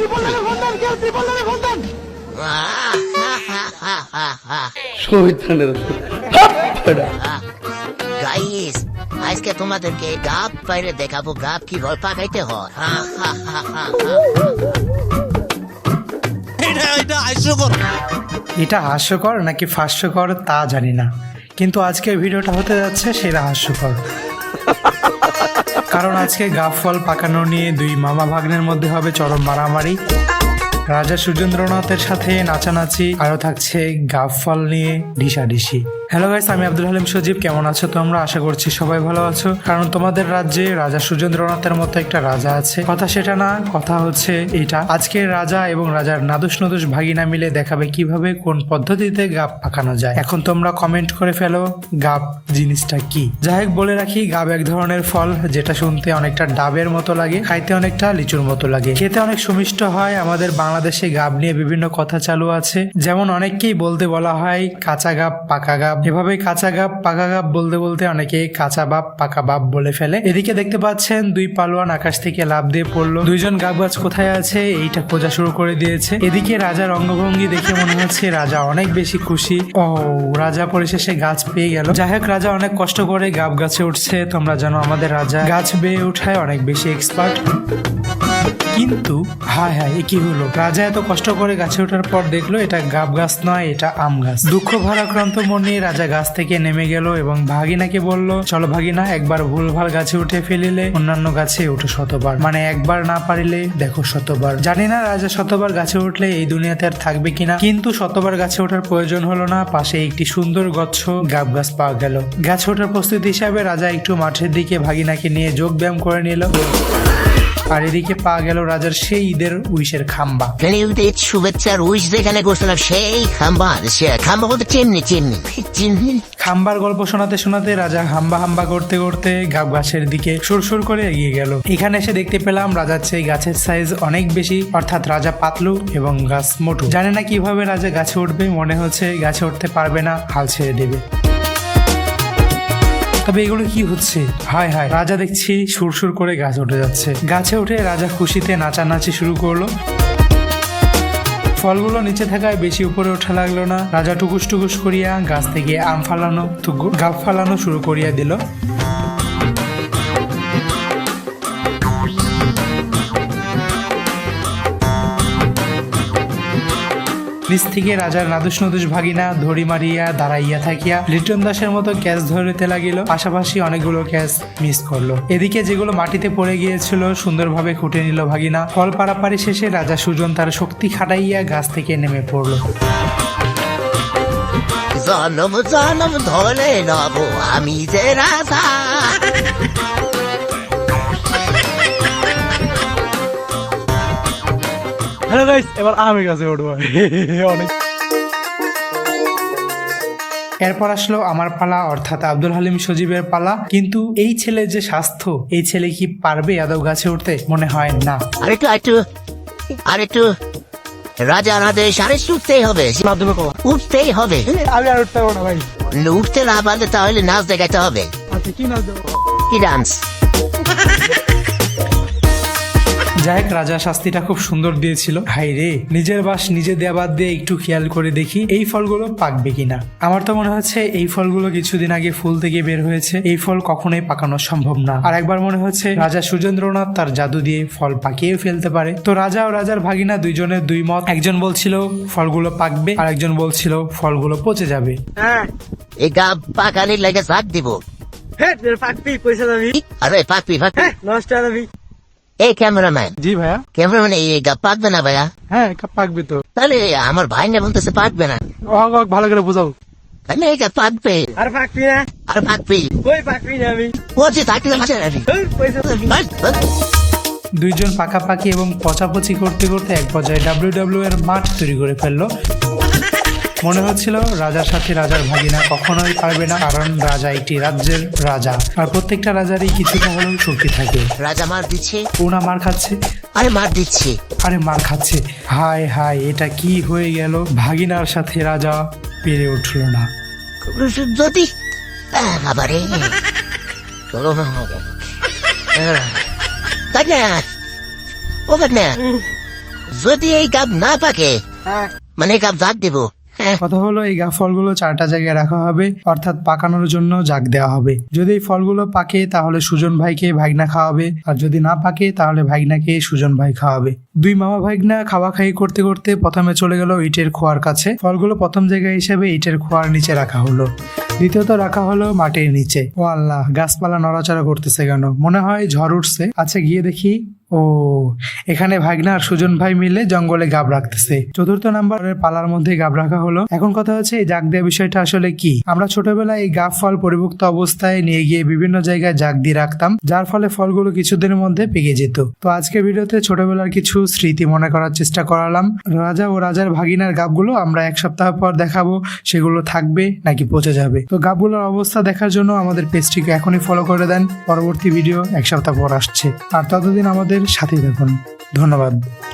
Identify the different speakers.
Speaker 1: Guys, আজকে তোমাদেরকে গাব বাইরে দেখাবো, গাব কি রল পাকাইতে হয়।
Speaker 2: এটা হাস্যকর নাকি ফাস্যকর তা জানি না, কিন্তু আজকের ভিডিওটা হতে যাচ্ছে সেরা হাস্যকর। কারণ আজকে গাব ফল পাকানো নিয়ে দুই মামা ভাগ্নের মধ্যে হবে চরম মারামারি। রাজা সুরেন্দ্রনাথের সাথে নাচানাচি, আরো থাকছে গাব ফল নিয়ে ঢিসাঢিসি। হ্যালো গাইস, আমি আব্দুল হালিম সজীব। কেমন আছো তোমরা? আশা করছি সবাই ভালো আছো, কারণ তোমাদের রাজ্যে রাজা সুরেন্দ্রনাথের মতো একটা রাজা আছে। কথা সেটা না, কথা হচ্ছে এটা। আজকে রাজা এবং রাজার নাদুস নদুস ভাগিনা মিলে দেখাবে কিভাবে কোন পদ্ধতিতে গাব পাকানো যায়। এখন তোমরা কমেন্ট করে ফেলো গাব জিনিসটা কি। যাই হোক, বলে রাখি, গাব এক ধরনের ফল যেটা শুনতে অনেকটা ডাবের মতো লাগে, খাইতে অনেকটা লিচুর মতো লাগে, খেতে অনেক সুমিষ্ট হয়। আমাদের বাংলাদেশে গাব নিয়ে বিভিন্ন কথা চালু আছে, যেমন অনেককেই বলা হয় কাঁচা গাব পাকা গাব। এভাবে কাঁচা গাব পাকা গাব বলতে বলতে অনেকে কাঁচা বাপ পাকা বাপ বলে ফেলে। এদিকে দেখতে পাচ্ছেন দুই পালোয়ান আকাশ থেকে লাফ দিয়ে পড়লো। দুইজন গাব গাছ কোথায় আছে এইটা খোঁজা শুরু করে দিয়েছে। এদিকে রাজার অঙ্গভঙ্গি দেখে মনে হচ্ছে রাজা অনেক বেশি খুশি। ও, রাজা পরিশেষে গাছ পেয়ে গেল। যাই হোক, রাজা অনেক কষ্ট করে গাব গাছে উঠছে। তোমরা জানো আমাদের রাজা গাছ বেয়ে উঠায় অনেক বেশি এক্সপার্ট। কিন্তু হায় হায়, কি হলো? রাজা এত কষ্ট করে গাছে ওঠার পর দেখলো এটা গাব গাছ নয়, এটা আম গাছ। দুঃখ ভারাক্রান্ত মন নিয়ে রাজা গাছ থেকে নেমে গেল এবং ভাগিনাকে বলল, চলো ভাগিনা, একবার ভুলভাল গাছে উঠে ফেলিলে অন্যান্য গাছে উঠো শতবার, মানে একবার না পারিলে দেখো শতবার। জানি না রাজা শতবার গাছে উঠলে এই দুনিয়াতে আর থাকবে কিনা, কিন্তু শতবার গাছে ওঠার প্রয়োজন হলো না। পাশে একটি সুন্দর গচ্ছ গাব গাছ পাওয়া গেল। গাছে ওঠার প্রস্তুতি হিসাবে রাজা একটু মাঠের দিকে ভাগিনাকে নিয়ে যোগ ব্যায়াম করে নিল। আর এদিকে পাওয়া গেল রাজার সেই ঈদের উইশের খাম্বা।
Speaker 1: শুভেচ্ছার উইশ যেখানে করছিলাম সেই খাম্বা, সে খাম্বা বলতে চিমনি চিমনি চিমনি।
Speaker 2: খাম্বার গল্প শোনাতে শোনাতে রাজা হাম্বা হাম্বা করতে করতে গাব গাছের দিকে সুরসুর করে এগিয়ে গেল। এখানে এসে দেখতে পেলাম রাজার চেয়ে গাছের সাইজ অনেক বেশি, অর্থাৎ রাজা পাতলু এবং গাছ মোটু। জানে না কিভাবে রাজা গাছে উঠবে, মনে হচ্ছে গাছে উঠতে পারবে না, হাল ছেড়ে দেবে। তবে এগুলো কি হচ্ছে? হায় হায়, রাজা দেখছি সুরসুর করে গাছ উঠে যাচ্ছে। গাছে উঠে রাজা খুশিতে নাচানাচি শুরু করলো। ফলগুলো নিচে থাকায় বেশি উপরে ওঠা লাগলো না। রাজা টুকুস টুকুস করিয়া গাছ থেকে আম ফালানো গাব ফালানো শুরু করিয়া দিল। নিচ থেকে রাজার নাদুস নদুস ভাগিনা ধরি মারিয়া দাঁড়াইয়া থাকিয়া লিটন দাসের মতো ক্যাচ ধরিতে লাগিল। পাশাপাশি অনেকগুলো ক্যাচ মিস করলো। এদিকে যেগুলো মাটিতে পড়ে গিয়েছিল সুন্দরভাবে খুঁটে নিল ভাগিনা। ফল পারাপারি শেষে রাজা সুজন তার শক্তি খাটাইয়া গাছ থেকে নেমে পড়লো।
Speaker 1: জনম জনম ধরে নব আমি যে রাজা।
Speaker 2: হ্যালো গাইস, এবার আমি গাছে উঠবো। অনেক। এরপর আসলো আমার পালা, অর্থাৎ আব্দুল হালিম সজীবের পালা। কিন্তু এই ছেলে যে স্বাস্থ্য, এই ছেলে কি পারবে আদৌ গাছে উঠতে? মনে হয় না।
Speaker 1: আরেকটু রাজা আদেশ, আরে উঠতেই হবে, উঠতেই হবে।
Speaker 2: আমি আর উঠতে পারবো না ভাই।
Speaker 1: উঠতে না পারলে তাহলে নাচ দেখাতে হবে।
Speaker 2: আচ্ছা, কি নাচ দেবো?
Speaker 1: কি ডান্স?
Speaker 2: যাই হোক, রাজা শাস্তিটা খুব সুন্দর দিয়েছিল। হাই রে, নিজের বাস নিজে দেয়া বাদ দিয়ে একটু খেয়াল করে দেখি এই ফলগুলো পাকবে কিনা। আমার তো মনে হচ্ছে এই ফলগুলো কিছুদিন আগে ফুল থেকে বের হয়েছে, এই ফল কখনোই পাকানো সম্ভব না। আর একবার মনে হচ্ছে রাজা সুরেন্দ্রনাথ তার জাদু দিয়ে ফল পাকিয়ে ফেলতে পারে। তো রাজা ও রাজার ভাগিনা দুইজনের দুই মত। একজন বলছিল ফলগুলো পাকবে, আর একজন বলছিল ফলগুলো পচে যাবে।
Speaker 1: এই গাব পাকানির লাগে শাক দিব।
Speaker 2: পাকবি, পয়সা দাবি।
Speaker 1: আরে পাকবি
Speaker 2: নষ্ট দাবি।
Speaker 1: এই ক্যামেরাম্যান।
Speaker 2: জি ভাইয়া।
Speaker 1: ক্যামেরাম্যান, এই গাব পাকবে না ভাইয়া?
Speaker 2: হ্যাঁ, পাকবে তো।
Speaker 1: তাহলে আমার ভাই না বলতেছে পাকবে না।
Speaker 2: ভালো করে বুঝাও।
Speaker 1: তাহলে এই গাব পাকবে।
Speaker 2: আর পাকবি না?
Speaker 1: আর পাকবি।
Speaker 2: কই পাকবি না? আমি
Speaker 1: পচে থাকলে
Speaker 2: দুইজন পাকাপাকি এবং পচাপচি করতে করতে এক পর্যায়ে ডাব্লিউডাব্লিউ এর মাঠ তৈরি করে ফেললো। মনে হচ্ছিল রাজার সাথে রাজার ভাগিনা কখনোই পারবে না, কারণ রাজা একটি রাজ্যের রাজা, আর প্রত্যেকটা রাজারই কিছুটা হলেও শক্তি থাকে।
Speaker 1: রাজা মার দিচ্ছে,
Speaker 2: ওনা মার খাচ্ছে।
Speaker 1: আরে মার দিচ্ছে,
Speaker 2: আরে মার খাচ্ছে। হায় হায়, এটা কি হয়ে গেল? ভাগিনার সাথে রাজা পেরে উঠল না।
Speaker 1: যদি আবারে যদি এই গাব না পাকে মানে গাব জাগ দিব।
Speaker 2: কথা হলো এই ফলগুলো 4টা জায়গায় রাখা হবে, অর্থাৎ পাকানোর জন্য জাগ দেওয়া হবে। যদি এই ফলগুলো পাকে তাহলে সুজন ভাইকে ভাগনা খাওয়াবে, আর যদি না পাকে তাহলে ভাগনাকে সুজন ভাই খাওয়াবে। দুই মামা ভাগনা খাওয়া খাই করতে করতে প্রথমে চলে গেল ইটের খোয়ার কাছে। ফলগুলো প্রথম জায়গায় হিসেবে ইটের খোয়ার নিচে রাখা হলো, দ্বিতীয়ত রাখা হলো মাটির নিচে। ও আল্লাহ, গাছপালা নড়াচড়া করতেছে কেন? মনে হয় ঝড় উঠছে। আচ্ছা গিয়ে দেখি। ও, এখানে ভাগনা আর সুজন ভাই মিলে জঙ্গলে গাব রাখতেছে। চতুর্থ নাম্বারের পালার মধ্যে গাব রাখা হলো। এখন কথা হচ্ছে এই জাগ দেওয়া বিষয়টা আসলে কি? আমরা ছোটবেলায় এই গাব ফল পরিপুক্ত অবস্থায় নিয়ে গিয়ে বিভিন্ন জায়গায় জাগ দিয়ে রাখতাম, যার ফলে ফলগুলো কিছুদিনের মধ্যে পেকে যেত। তো আজকের ভিডিওতে ছোটবেলার কিছু স্মৃতি মনে করার চেষ্টা করালাম। রাজা ও রাজার ভাগিনার গাবগুলো আমরা 1 সপ্তাহ পর দেখাবো, সেগুলো থাকবে নাকি পচে যাবে। তো গাবগুলোর অবস্থা দেখার জন্য আমাদের পেজটিকে এখনই ফলো করে দেন। পরবর্তী ভিডিও 1 সপ্তাহ পর আসছে, আর ততদিন আমাদের সাথে থাকুন। ধন্যবাদ।